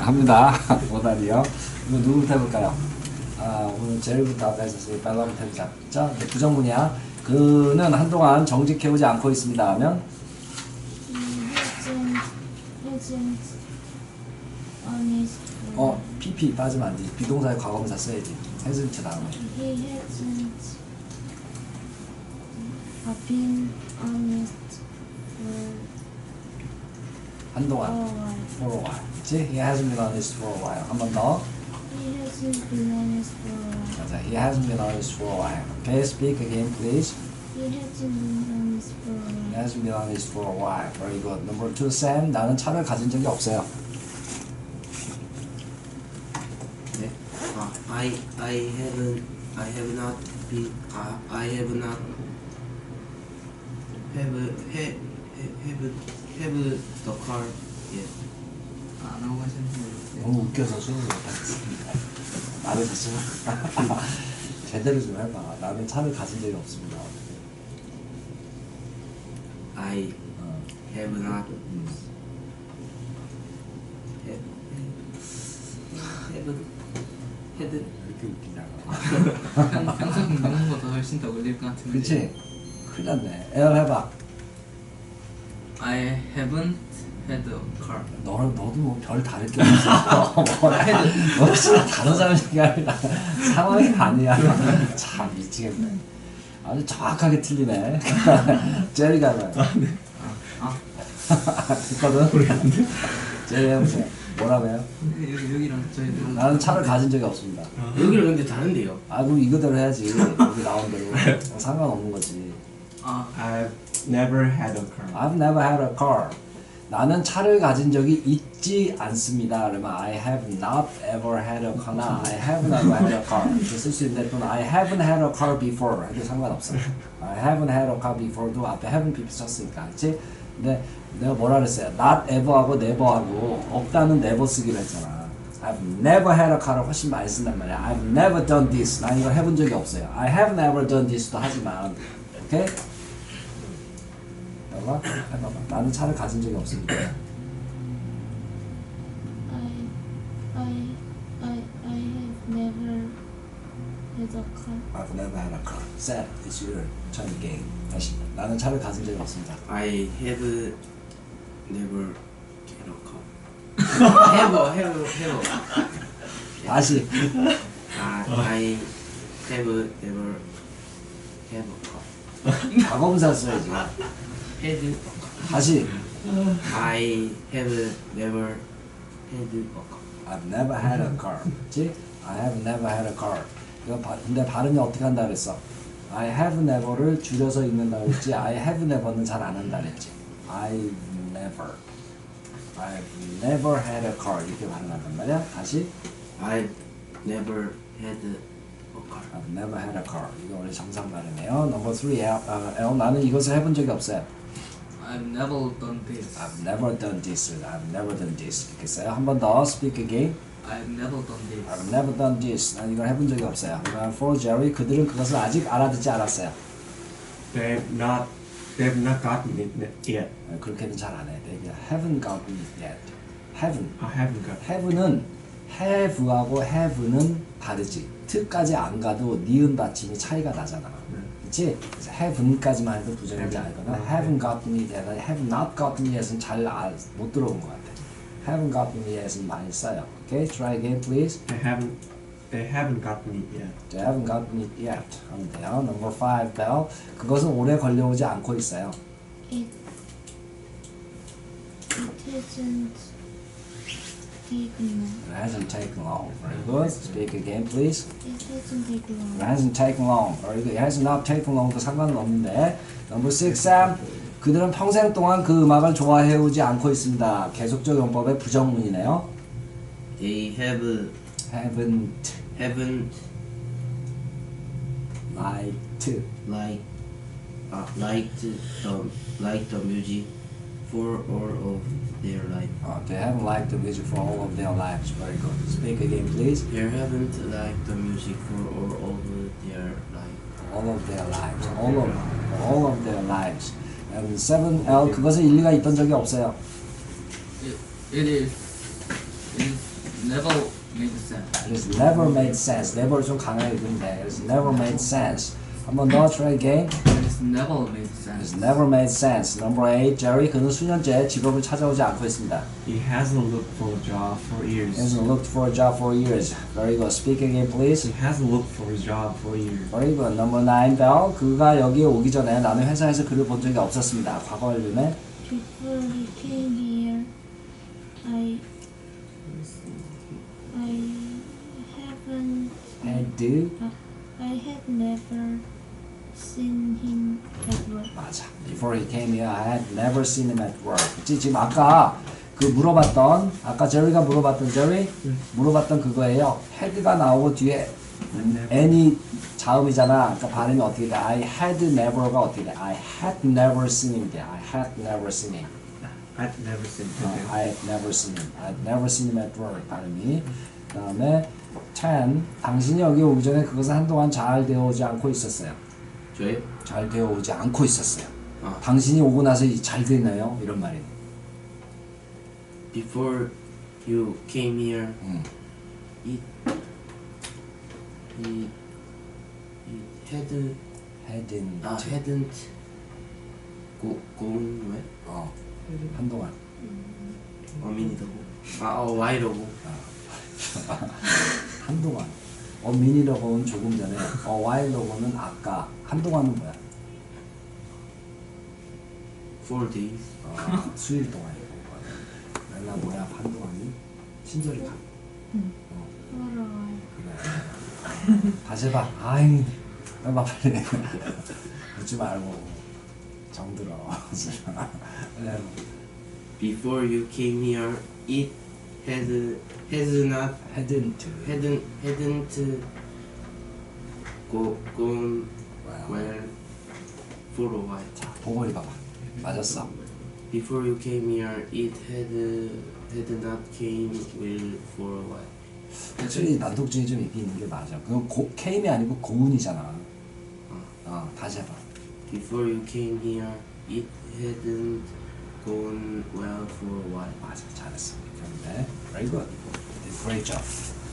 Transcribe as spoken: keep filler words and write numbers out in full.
합니다. 오답이요. 이거 누구부터 해볼까요? 아, 오늘 제일부터 아까 했었으니 빨라부터 해보자. 자, 부정문이야. 그는 한동안 정직해오지 않고 있습니다 하면 어, pp 빠지면 안 돼. 비동사의 과거분사 써야지. hasn't 다음에. He hasn't been honest for 한동안. a while. for a while. 그치? He hasn't been honest for a while. 한 번 더. He hasn't been honest for a while. 맞아. He hasn't been honest for a while. Okay, speak again, please. He hasn't been honest for a He while. hasn't been honest for a while. Very good. Number two, Sam. 나는 차를 가진 적이 없어요. 네. 아, I I haven't I have not been 아, I have not have have have have the car yet. 안 하고 하시는 너무 웃겨서 수능을 못하겠습니다. 나는 가지마. 제대로 좀 해봐. 나는 차를 가진 적이 없습니다. I 어. have not 음. have have had 이렇게 웃기냐고. 평소 공부보다 훨씬 더 어울릴 것 같은데. 그치? 큰일 났네. 에어 해봐. I haven't had a car. 너, 너도 뭐 별 다를 게 없어. 뭐라 해도 너 진짜 단어자는 게 아니라 상황이 아니야. 참 미치겠네. 아주 정확하게 틀리네. 제리가 해봐요. 아, 됐거든? 제리 해보세요. 뭐라고요? 여기 여기랑 저희 나는 차를 가진 적이 없습니다. 여기는 근데 다른데요. 아, 그럼 이거대로 해야지. 여기 나온 대로. 어, 상관없는 거지. 아, I've never had a car. I've never had a car. 나는 차를 가진 적이 있지 않습니다. 그러면 I have not ever had a car나 I have never had a car 이렇게 쓸 수 있는데 또는 I haven't had a car before 해도 상관없어. I haven't had a car before도 앞에 haven't before 썼으니까, 그렇지? 근데 내가 뭐라 그랬어요? Not ever하고 never하고 없다는 never 쓰기로 했잖아. I've never had a car을 훨씬 많이 쓴단 말이야. I've never done this. 난 이걸 해본 적이 없어요. I have never done this도 하지만, 오케이? 해봐, 해봐봐. 나는 차를 가진 적이 없습니다. I I I I have never had a car. I've never had a car. Sad, it's your turn game. 다시. 나는 차를 가진 적이 없습니다. I have never had a car. have have have. 다시. 아, I have never have a car. 과거분사 써야지. had 다시. I have never had a car. I've never had a car. 그치? I have never had a car. 이거 바, 근데 발음이 어떻게 한다 그랬어? I have never를 줄여서 읽는다 그랬지. I have never는 잘 안 한다 그랬지. I've never. I've never had a car. 이렇게 발음한단 말이야. 다시. I've never had a car. I've never had a car. 이거 원래 정상 발음이에요. Number three. L, 어, L, 나는 이것을 해본 적이 없어요. I've never done this. I've never done this. I've never done this. 이렇게 써요. 한 번 더. Speak again. I've never done this. I've never done this. 난 이걸 해본 적이 없어요. 그러면 for Jerry, 그들은 그것을 아직 알아듣지 않았어요. They've not, they've not gotten it yet. 그렇게는 잘 안 해. They haven't gotten it yet. haven't. I haven't got. have는 have하고 have는 다르지. t까지 안 가도 니은 받침이 차이가 나잖아. 그렇지? 그래서 haven'까지만 해도 부정이지 않거나 haven't gotten it yet, have not gotten it은 잘 못 들어온 것 같아. haven't gotten it은 많이 써요. Okay, try again, please. They haven't, they haven't gotten it yet. They haven't gotten it yet. 하면 돼요. Number five, Bell. 그것은 오래 걸려오지 않고 있어요. It it hasn't taken long. It hasn't taken long. Very good. Speak again, please. It hasn't taken long. It hasn't taken long. Very good. It has not taken long도 상관은 없는데. Number six, Sam. 그들은 평생 동안 그 음악을 좋아해오지 않고 있습니다. 계속적 용법의 부정문이네요. They have Haven't haven't liked like uh, liked the liked the music for all of their life. uh, They haven't liked the music for all of their lives. Very good. Speak again, please. They haven't liked the music for all of their life. All of their lives. All of all of their lives. And seven L 그것은 일리가 있던 적이 없어요. It, it is. It is never made sense. 그래서 never made sense. never 좀 강하게 읽으면 돼. 그래서 never made sense. 한번 더 try again. It's never made It's sense. never made sense. Number eight. Jerry 그는 수년째 직업을 찾아오지 않고 있습니다. He hasn't looked for a job for years. Hasn't looked for a job for years. Very good. Speak again, please. He hasn't looked for a job for years. Very good. Number nine. Bell 그가 여기에 오기 전에 나는 회사에서 그를 본 적이 없었습니다. 과거 완료네. Before he came here, I I haven't Had uh, I had never seen him at work. 맞아. Before he came here, I had never seen him at work. 그치? 지금 아까 그 물어봤던 아까 제리가 물어봤던 제리 물어봤던 그거예요. had가 나오고 뒤에 any 자음이잖아. 그러니까 발음이 어떻게 돼? I had never가 어떻게 돼? I had never seen him 돼. I had never seen him. I've never seen 어, him. I had never seen him. I had never seen him at work. 발음이. 그다음에 ten. 당신이 여기 오기 전에 그것은 한동안 잘 되어오지 않고 있었어요. 저요? 잘 되어오지 않고 있었어요. 아. 당신이 오고 나서 이- 잘 되나요? 이런 말이. Before you came here, 음. it it it had hadn't. 아 hadn't go gone where? 어. 한동안. A minute ago. 아 a while ago. 한동안. 어 미니러고는 조금 전에. 어 와일러고는 아까. 한동안은 뭐야? Four days. 어, 수일 동안이고. 나 뭐야? 한동안이? 친절히 가. For a while. 그래. 다시 해봐. 아이. 해봐 빨리. 웃지 말고. 정들어. 네. Before you came here, it had has not hadn't. hadn't hadn't go gone wow. well for a while. 자, 보고 읽어봐. 맞았어. Before you came here, it had had not came well for a while. 확실히 난독증이 좀 있긴 있는 게 맞아. 그건 고, came이 아니고 고운이잖아. 어, 다시 해봐. Before you came here, it hadn't gone well for a while. 맞아, 잘했어. 그런데 very good. Great job.